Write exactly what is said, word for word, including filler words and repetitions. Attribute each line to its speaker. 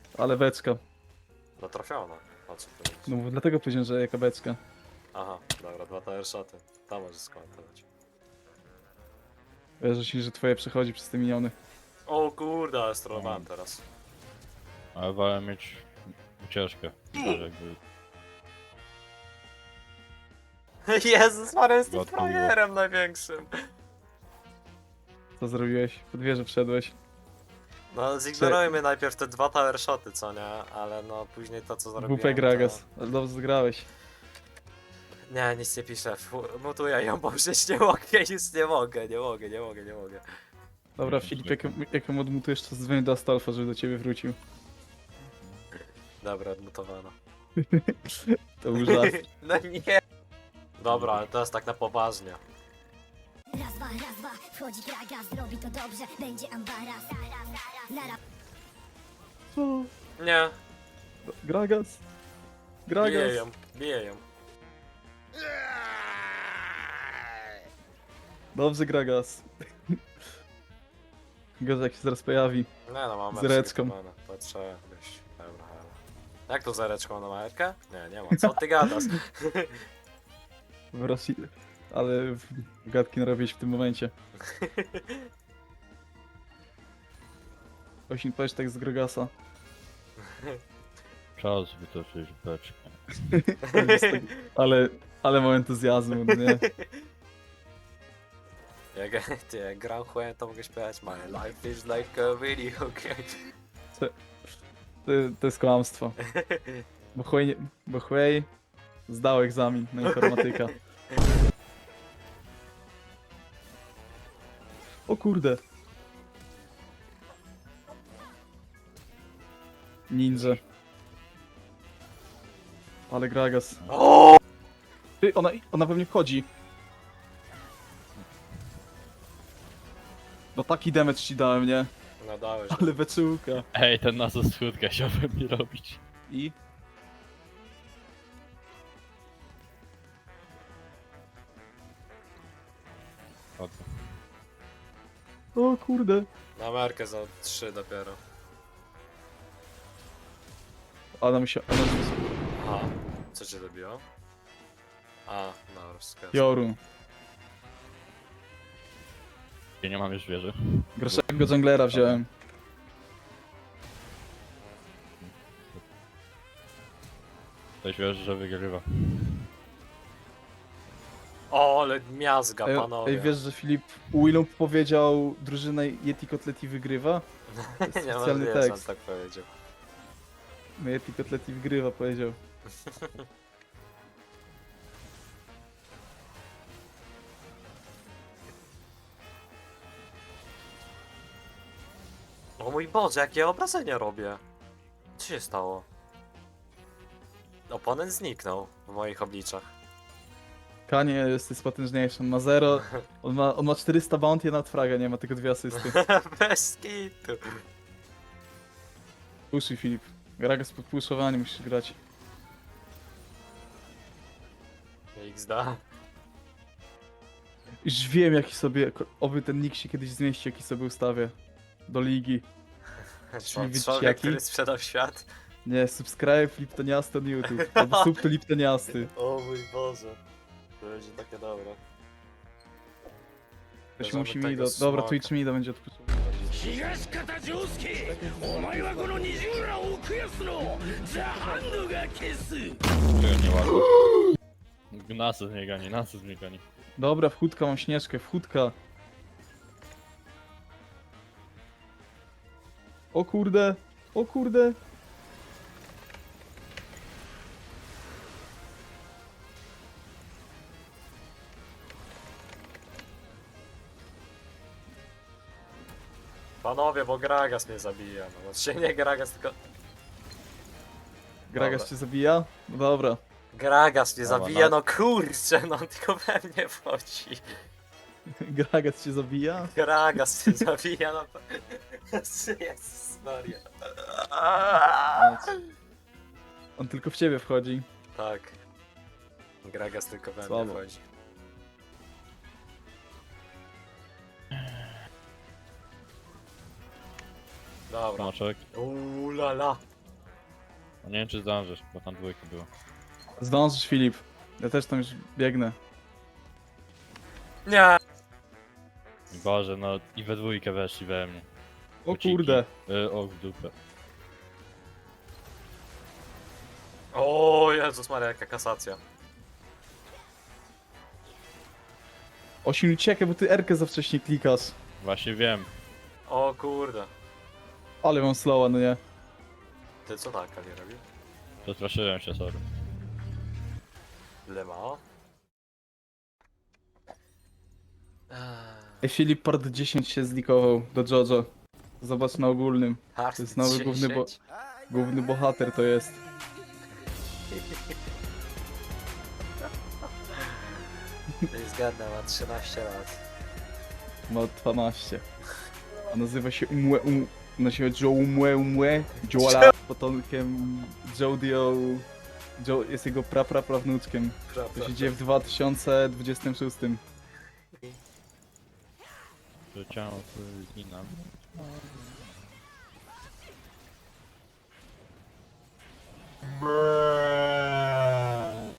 Speaker 1: Ale beczka.
Speaker 2: No trafiona. O co ty mówisz?
Speaker 1: No bo dlatego powiedziałem, że jaka beczka.
Speaker 2: Aha, dobra, dwa tower shoty. Tam możesz skomentować.
Speaker 1: Wierzę ci, że twoje przechodzi przez te miniony.
Speaker 2: O kurde, ale strollowałem
Speaker 3: O.
Speaker 2: teraz.
Speaker 3: Ale wolę mieć ucieczkę. Też jakby
Speaker 2: Jezus, Maria, jestem
Speaker 3: Gotuje.
Speaker 2: frajerem największym.
Speaker 1: Co zrobiłeś? Pod wieżę wszedłeś.
Speaker 2: No, zignorujmy najpierw te dwa tower shoty, co nie? Ale no, później to, co zrobiłem,
Speaker 1: W P Gragas. Ale dobrze zagrałeś.
Speaker 2: To... Nie, nic nie piszę. Fu- Mutuję ją, bo już nie mogę, już nie mogę, nie mogę, nie mogę, nie mogę.
Speaker 1: Dobra,
Speaker 3: Mhm,
Speaker 1: Filip,
Speaker 3: zwykle.
Speaker 1: jak, jak ją odmutujesz, to zadzwonię do Astolfa, żeby do ciebie wrócił.
Speaker 2: Dobra, odmutowano.
Speaker 1: To był żart.
Speaker 2: No nie. Dobra, ale teraz tak na poważnie.
Speaker 4: Raz, dwa, raz, dwa, wchodzi Gragas, zrobi to dobrze, będzie ambaras. Nara,
Speaker 1: Co?
Speaker 2: Nie,
Speaker 1: Gragas?
Speaker 2: biję
Speaker 1: Gragas?
Speaker 2: ją, biję ją.
Speaker 1: Dobrze, Gragas. Gorzej jak się zaraz pojawi.
Speaker 2: Nie no, mam
Speaker 1: Z reczką.
Speaker 2: To trzeba być. Dobra, ale... Jak to z reczką na majerkę? Nie, nie ma. Co ty gadasz?
Speaker 1: W Rosji. Ale w- gadki narobić w tym momencie. Osin, powiedz tak z Gragasa.
Speaker 3: czas wytoczyć beczkę.
Speaker 1: Ale, ale mam entuzjazmu, no nie?
Speaker 2: Jak, ty, jak gram chłem, to mogę śpiewać My life is like a video game.
Speaker 1: To, to jest kłamstwo. Bo Huey, nie- bo Huey zdał egzamin na informatyka. O kurde. Ninja. Ale Gragas.
Speaker 2: O!
Speaker 1: Ty, ona, ona pewnie wchodzi. No taki damage ci dałem, nie?
Speaker 2: No dałeś.
Speaker 1: Ale beczułka.
Speaker 3: Ej, ten na zasłódkę chciałbym mi robić.
Speaker 1: I?
Speaker 3: Chodzę.
Speaker 1: O kurde.
Speaker 2: Na markę za trzy dopiero.
Speaker 1: Ona musiała... Ona...
Speaker 2: Aha. Co cię dobiło? A, no, rozkaz.
Speaker 1: Jorun.
Speaker 3: Ja nie mam już wieży.
Speaker 1: Gorszego junglera wziąłem.
Speaker 3: Ktoś wierzy, że wygrywa.
Speaker 2: O, ale miazga,
Speaker 1: Ej,
Speaker 2: panowie.
Speaker 1: ej, wiesz, że Filip Willump powiedział drużynę Yeti Kotleti wygrywa? To jest
Speaker 2: Nie
Speaker 1: specjalny
Speaker 2: możliwe, że on
Speaker 1: tekst.
Speaker 2: tak powiedział.
Speaker 1: No Yeti Kotleti wygrywa, powiedział.
Speaker 2: O mój Boże, jakie obrażenia robię. Co się stało? Oponent zniknął w moich obliczach.
Speaker 1: Kanie jest, jest potężniejszy, on ma zero, on ma, on ma czterysta bounty, a nawet fraga nie ma, tylko dwie asysty.
Speaker 2: Bez kitu.
Speaker 1: Puszuj Filip. Gragas pod puszowanie musisz grać.
Speaker 2: X da.
Speaker 1: Już wiem jaki sobie, oby ten nick się kiedyś zmieści, jaki sobie ustawię. Do ligi. Czyli widzisz
Speaker 2: Człowiek,
Speaker 1: jaki?
Speaker 2: który sprzedał świat.
Speaker 1: Nie, subscribe Liptoniasty na YouTube. Albo sub to Liptoniasty.
Speaker 2: O mój Boże. To będzie takie dobre.
Speaker 1: Ktoś
Speaker 2: Bierzemy
Speaker 1: musi mi
Speaker 2: tego
Speaker 1: do... Dobra,
Speaker 2: smoka.
Speaker 1: Twitch mi będzie odpuszczał.
Speaker 5: 東方丈介お前はこの二重ら奥安のザ・ハンドが消す
Speaker 3: Czego nie ładnie. Nasy z mnie gani, nasy z mnie gani.
Speaker 1: Dobra, wchódka, mam śnieżkę, wchódka. O kurde, o kurde.
Speaker 2: Panowie, bo Gragas mnie zabija. No, znaczy nie Gragas, tylko...
Speaker 1: Gragas
Speaker 2: Dobra.
Speaker 1: cię zabija? No dobra.
Speaker 2: Gragas mnie
Speaker 3: Dobra,
Speaker 2: zabija,
Speaker 3: no.
Speaker 2: no kurczę, no tylko we mnie wchodzi.
Speaker 1: Gragas cię zabija?
Speaker 2: Gragas mnie zabija, no... Jezus Maria.
Speaker 1: On tylko w ciebie wchodzi.
Speaker 2: Tak. Gragas tylko we mnie
Speaker 1: Słabo.
Speaker 2: wchodzi. Dobra.
Speaker 3: Smaczek.
Speaker 2: Uuu la la.
Speaker 3: No nie wiem czy zdążysz, bo tam dwójka było.
Speaker 1: Zdążysz, Filip. Ja też tam już biegnę.
Speaker 2: Nie!
Speaker 3: Boże, no i we dwójkę weszli we mnie.
Speaker 1: O
Speaker 3: Buciki.
Speaker 1: kurde.
Speaker 3: Y, o, w dupę.
Speaker 2: O Jezus Maria, jaka kasacja.
Speaker 1: Osin, uciekaj, bo ty Erkę za wcześnie klikasz.
Speaker 3: Właśnie wiem.
Speaker 2: O kurde.
Speaker 1: Ale mam slowa, no nie.
Speaker 2: Ty co tak, nie robi?
Speaker 3: Przestraszyłem się, sorry.
Speaker 2: Ile ma? Eee,
Speaker 1: Ej, Filip part dziesięć się zlikował do JoJo. Zobacz na ogólnym.
Speaker 2: hard
Speaker 1: To jest nowy główny bo-
Speaker 2: dziesięć.
Speaker 1: Główny bohater to jest.
Speaker 2: Nie zgadnę, ma trzynaście lat.
Speaker 1: Ma dwanaście. A nazywa się Umue Um... Nazywa się Joe Umue Umue Joala potomkiem Jodio... Jo... Jest jego pra pra prawnuczkiem. To się dzieje w dwa tysiące dwudziestym szóstym.
Speaker 3: Że ciało zginam.